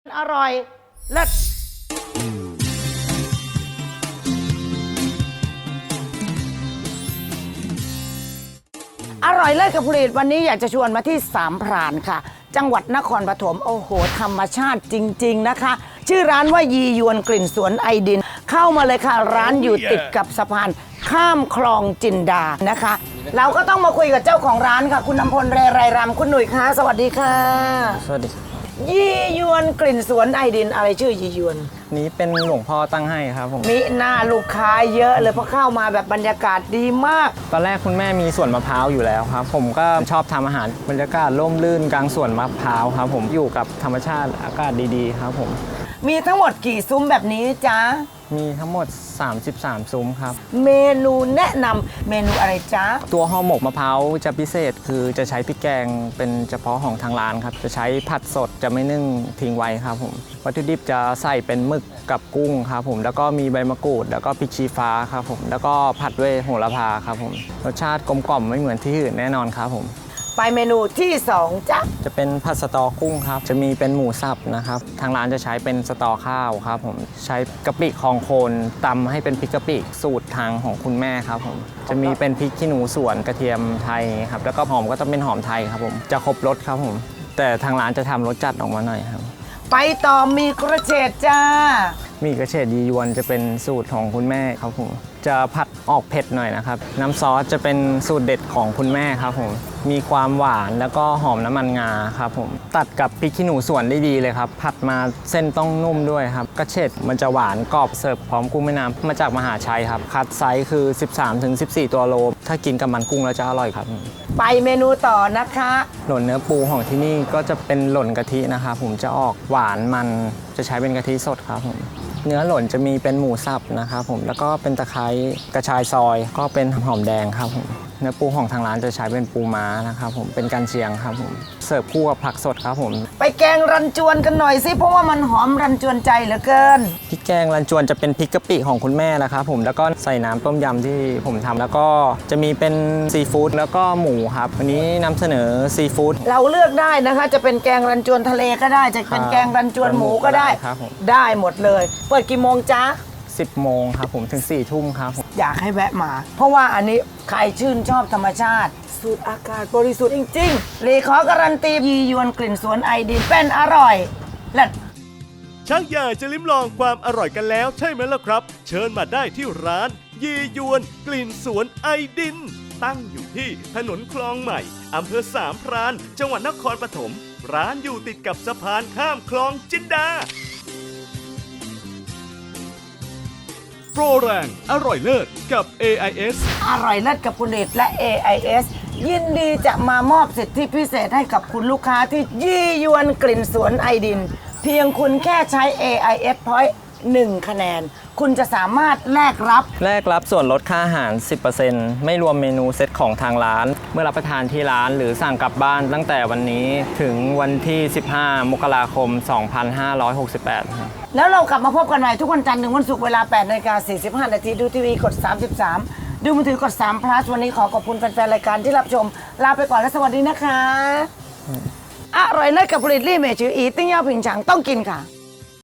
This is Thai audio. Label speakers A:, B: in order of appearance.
A: อร่อยเลิศอร่อยเลิศกับผลิตวันนี้อยากจะชวนมาที่สามพรานค่ะ จังหวัดนครปฐมโอ้โหธรรมชาติจริงๆนะคะ ชื่อร้านว่ายียวนกลิ่นสวนไอดิน เข้ามาเลยค่ะร้านอยู่ติดกับสะพานข้ามคลองจินดานะคะ เราก็ต้องมาคุยกับเจ้าของร้านค่ะ คุณนำพลเรไรรำคุณหนุ่ยคะสวัสดีค่ะ
B: สวัสดีครับ
A: ยียวนกลิ่นสวนไอดินอะไรชื่อยียวน
B: นี้เป็นหลวงพ่อตั้งให้ครับผม
A: มีหน้าลูกค้าเยอะเลยเพราะเข้ามาแบบบรรยากาศดีมาก
B: ตอนแรกคุณแม่มีสวนมะพร้าวอยู่แล้วครับ ผมก็ชอบทำอาหารบรรยากาศร่มรื่นกลางสวนมะพร้าวครับผมอยู่กับธรรมชาติอากาศดีๆครับผม
A: มีทั้งหมดกี่ซุ้มแบบนี้จ๊ะ
B: มีทั้งหมด 33 ซุ้มครับ
A: เมนูแนะนำเมนูอะไรจ๊ะ
B: ตัวห่อหมกมะพร้าวจะพิเศษคือจะใช้พริกแกงเป็นเฉพาะของทางร้านครับจะใช้ผัดสดจะไม่นึ่งทิ้งไว้ครับผมวัตถุดิบจะใส่เป็นหมึกกับกุ้งครับผมแล้วก็มีใบมะกรูดแล้วก็พริกชี้ฟ้าครับผมแล้วก็ผัดด้วยโหระพาครับผมรสชาติกลมกล่อมไม่เหมือนที่อื่นแน่นอนครับผม
A: ไปเมนูที่2จ๊ะ
B: จะเป็นผัดสตอกุ้งครับจะมีเป็นหมูสับนะครับทางร้านจะใช้เป็นสตอข้าวครับผมใช้กะปิคองโคนตำให้เป็นพริกกะปิสูตรทางของคุณแม่ครับผมจะมีเป็นพริกขี้หนูสวนกระเทียมไทยครับแล้วก็หอมก็ต้องเป็นหอมไทยครับผมจะครบรสครับผมแต่ทางร้านจะทำรสจัดออกมาหน่อยครับ
A: ไปต่อมีกระเฉดจ้า
B: มีกระเฉดยียวนจะเป็นสูตรของคุณแม่ครับผมจะผัดออกเผ็ดหน่อยนะครับน้ำซอสจะเป็นสูตรเด็ดของคุณแม่ครับผมมีความหวานแล้วก็หอมน้ำมันงาครับผมตัดกับพริกขี้หนูสวนได้ดีเลยครับผัดมาเส้นต้องนุ่มด้วยครับกระเฉดมันจะหวานกรอบเสิร์ฟพร้อมกุ้งแม่น้ำมาจากมหาชัยครับคัดไซส์คือ 13-14 ตัวโลถ้ากินกับมันกุ้งแล้วจะอร่อยครับ
A: ไปเมนูต่อนะคะ
B: หล่นเนื้อปูของที่นี่ก็จะเป็นหล่นกะทินะครับผมจะออกหวานมันจะใช้เป็นกะทิสดครับผมเนื้อหล่นจะมีเป็นหมูสับนะครับผมแล้วก็เป็นตะไคร้กระชายซอยก็เป็นหอมแดงครับผมเนื้อปูของทางร้านจะใช้เป็นปูม้านะครับผมเป็นกันเชียงครับผมเสิร์ฟคู่กับผักสดครับผม
A: ไปแกงรันจวนกันหน่อยสิเพราะว่ามันหอมรันจวนใจเหลือเกิน
B: พริกแกงรันจวนจะเป็นพริกกะปิของคุณแม่นะครับผมแล้วก็ใส่น้ำต้มยำที่ผมทำแล้วก็จะมีเป็นซีฟู้ดแล้วก็หมูครับวันนี้นำเสนอซีฟู้ด
A: เราเลือกได้นะคะ จะเป็นแกงรันจวนทะเลก็ได้ จะเป็นแกงรันจวนหมูก็ได้
B: ครับผม
A: ได้หมดเลย เปิดกี่โมงจ๊ะ
B: 10 โมงครับผมถึง 4 ทุ่มครับผม
A: อยากให้แวะมา เพราะว่าอันนี้ใครชื่นชอบธรรมชาติ สูตรอากาศบริสุทธิ์จริงๆรีขอการันตียียวนกลิ่นสวนไอดินเป็นอร่อยเลิศ
C: ชักอยากจะลิ้มลองความอร่อยกันแล้วใช่ไหมล่ะครับ เชิญมาได้ที่ร้านยียวนกลิ่นสวนไอดิน ตั้งอยู่ที่ถนนคลองใหม่อำเภอสามพรานจังหวัดนครปฐมร้านอยู่ติดกับสะพานข้ามคลองจินดาโปรแรงอร่อยเลิศกับ AIS
A: อร่อยเลิศกับคุณเดชและ AIS ยินดีจะมามอบสิทธิพิเศษให้กับคุณลูกค้าที่ยี่ยวนกลิ่นสวนไอดิน เพียงคุณแค่ใช้ AIS Point 1 คะแนน คุณจะสามารถแลกรับ
B: แรกรับส่วนลดค่าอาหาร 10% ไม่รวมเมนูเซตของทางร้าน เมื่อรับประทานที่ร้านหรือสั่งกลับบ้านตั้งแต่วันนี้ถึงวันที่ 15 มกราคม 2568 ครับ
A: แล้วเรากลับมาพบกันใหม่ทุกวันจันทร์ถึงวันศุกร์เวลา 8:45 น.ดูทีวีกด 33 ดูมือถือกด3 plus วันนี้ขอขอบคุณแฟนๆรายการที่รับชม ลาไปก่อนและสวัสดีนะคะ อร่อยเลิศกับผลิตลี่เมจืออีติ้งเย่าผิงฉังต้องกินค่ะ